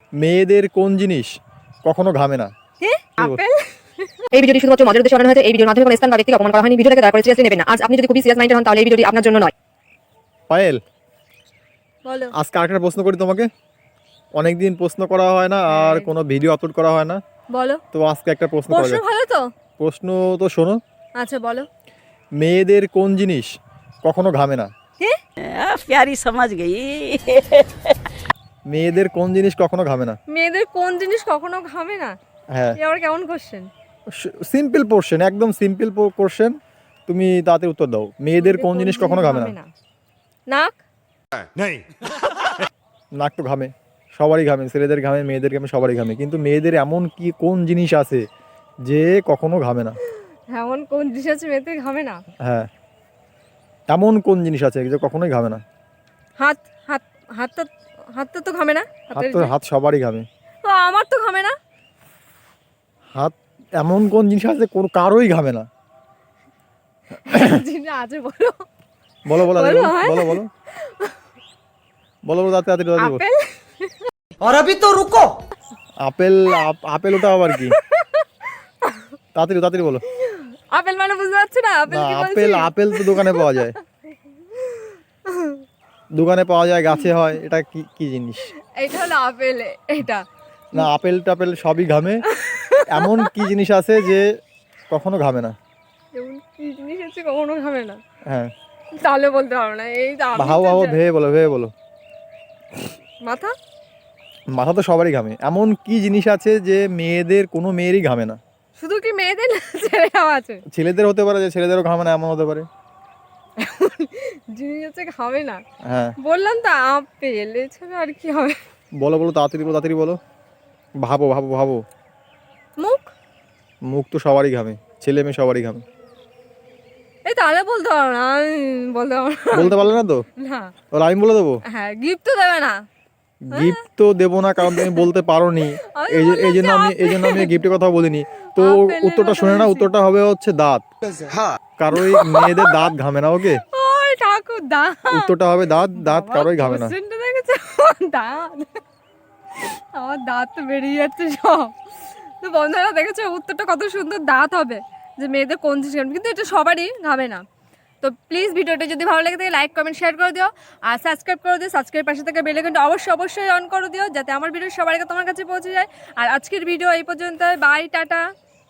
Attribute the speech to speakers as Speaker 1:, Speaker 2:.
Speaker 1: মেয়েদের কোন জিনিস কখনো ঘামে না?
Speaker 2: আপেল।
Speaker 3: এই ভিডিওটি শুধুমাত্র মজার উদ্দেশ্যে বানানো হয়েছে। এই ভিডিওর মাধ্যমে কোনো স্থান বা ব্যক্তিকে অপমান করা হয়নি। ভিডিওটাকে দয়া করে সিরিয়াসলি নেবেন না। আজ আপনি যদি খুবই সিরিয়াস মাইন্ডেড হন তাহলে এই ভিডিওটি আপনার জন্য নয়।
Speaker 1: পায়েল,
Speaker 2: বলো।
Speaker 1: আজকে আরেকটা প্রশ্ন করি তোমাকে। অনেকদিন প্রশ্ন করা হয় না আর কোনো ভিডিও আপলোড করা হয় না,
Speaker 2: বলো।
Speaker 1: তো আজকে একটা প্রশ্ন করা
Speaker 2: প্রশ্ন
Speaker 1: যাক।
Speaker 2: ভালো তো?
Speaker 1: প্রশ্ন তো শোনো।
Speaker 2: আচ্ছা বলো।
Speaker 1: মেয়েদের কোন জিনিস কখনো ঘামে না?
Speaker 4: प्यारी समझ गई।
Speaker 1: মেয়েদের কোন জিনিস কখনো ঘামে না?
Speaker 2: মেয়েদের কোন জিনিস কখনো ঘামে না?
Speaker 1: হ্যাঁ,
Speaker 2: এ আবার কেমন কোশ্চেন?
Speaker 1: সিম্পল কোশ্চেন, একদম সিম্পল কোশ্চেন। তুমি তাতে উত্তর দাও। মেয়েদের কোন জিনিস কখনো ঘামে না?
Speaker 2: নাক।
Speaker 1: নাক তো ঘামে, সবারই ঘামে, ছেলেদের ঘামে, মেয়েদের ঘামে, সবারই ঘামে। কিন্তু মেয়েদের এমন কি কোন জিনিস আছে যে কখনো ঘামে না?
Speaker 2: এমন কোন জিনিস আছে মেয়েদের ঘামে না?
Speaker 1: হ্যাঁ, এমন কোন জিনিস আছে যে কখনোই ঘামে না?
Speaker 2: হাত। হাত। হাতটা। হাতটা তো ঘামে না?
Speaker 1: হাত সবারই ঘামে।
Speaker 2: তো আমার তো ঘামে না।
Speaker 1: হাত এমন কোন জিনিস আছে কোন কারোই ঘামে না?
Speaker 2: জিনিস আছে বলো।
Speaker 1: বলো বলো
Speaker 2: বলো, হ্যাঁ?
Speaker 1: বলো বলো বলো বলো তাড়াতাড়ি বলো।
Speaker 2: আপেল।
Speaker 4: और अभी तो रुको।
Speaker 1: আপেল? আপেল ওটা আবার কি? তাড়াতাড়ি বলো।
Speaker 2: আপেল মানে বুঝতে পারছো না? আপেল
Speaker 1: না,
Speaker 2: কি বলছি?
Speaker 1: আপেল তো দোকানে পাওয়া যায়, দোকানে পাওয়া যায়, গাছে হয়। এটা কি কি জিনিস?
Speaker 2: এটা হলো আপেল। এটা
Speaker 1: না, আপেল টাপেল সবই ঘামে। এমন কি জিনিস আছে যে কখনো ঘামে না?
Speaker 2: যেমন কি জিনিস আছে কখনো ঘামে না?
Speaker 1: হ্যাঁ,
Speaker 2: তাহলে বলতে পারবো না। এই তো আমি
Speaker 1: ভাও
Speaker 2: তো
Speaker 1: ভাও, ভেবে বলো।
Speaker 2: মাথা।
Speaker 1: মাথা তো সবারই ঘামে। এমন কি জিনিস আছে যে মেয়েদের কোনো মেয়েরই ঘামে না?
Speaker 2: শুধু কি মেয়েদের না, ছেলেরাও আছে।
Speaker 1: ছেলেদের হতে পারে, যে ছেলেদেরও ঘামে না এমন হতে পারে।
Speaker 2: জিনিস হচ্ছে ঘামে না।
Speaker 1: হ্যাঁ,
Speaker 2: বললাম তো আপেল, এছাড়া আর কি হবে?
Speaker 1: বলো তাড়াতাড়ি বলো। ভাবো।
Speaker 2: মুখ।
Speaker 1: মুখ তো সবারই ঘামে, ছেলে মেয়ে সবারই ঘামে।
Speaker 2: এই তাহলে বলতে পারবো না, আমি বলতে পারবো না।
Speaker 1: বলতে পারলে না তো?
Speaker 2: না।
Speaker 1: তাহলে আমি বলে দেবো।
Speaker 2: হ্যাঁ, গিফট তো দেবে না।
Speaker 1: গিফট তো দেবো না, কারণ তুমি বলতে পারোনি। এই জন্য আমি গিফটের কথা বলিনি। তো
Speaker 2: আপেলের
Speaker 1: উত্তরটা
Speaker 2: কথা
Speaker 1: শুনে না,
Speaker 2: বলছি।
Speaker 1: উত্তরটা হবে হচ্ছে দাঁত। কারোই মেয়েদের দাঁত ঘামে না। ওকে,
Speaker 2: ওই ঠাকুর দাঁত।
Speaker 1: উত্তরটা হবে দাঁত। দাঁত কারোই ঘামে না।
Speaker 2: কোশ্চেনটা দেখেছো? দাঁত। আমার দাঁত তো বেরিয়ে যাচ্ছে সব। তো বন্ধুরা দেখেছো উত্তরটা কত সুন্দর, দাঁত হবে। যে মেয়েদের কোন জিনিস ঘামে, কিন্তু এটা সবারই ঘামে না। তো প্লিজ ভিডিওটা যদি ভালো লাগে থাকে লাইক কমেন্ট শেয়ার করে দিও, আর সাবস্ক্রাইব করে দিও। সাবস্ক্রাইব পাশে থেকে বেল আইকনটা অবশ্যই অন করে দিও, যাতে আমার ভিডিও সবার আগে তোমার কাছে পৌঁছে যায়। আর আজকের ভিডিও এই পর্যন্ত। Bye, tata.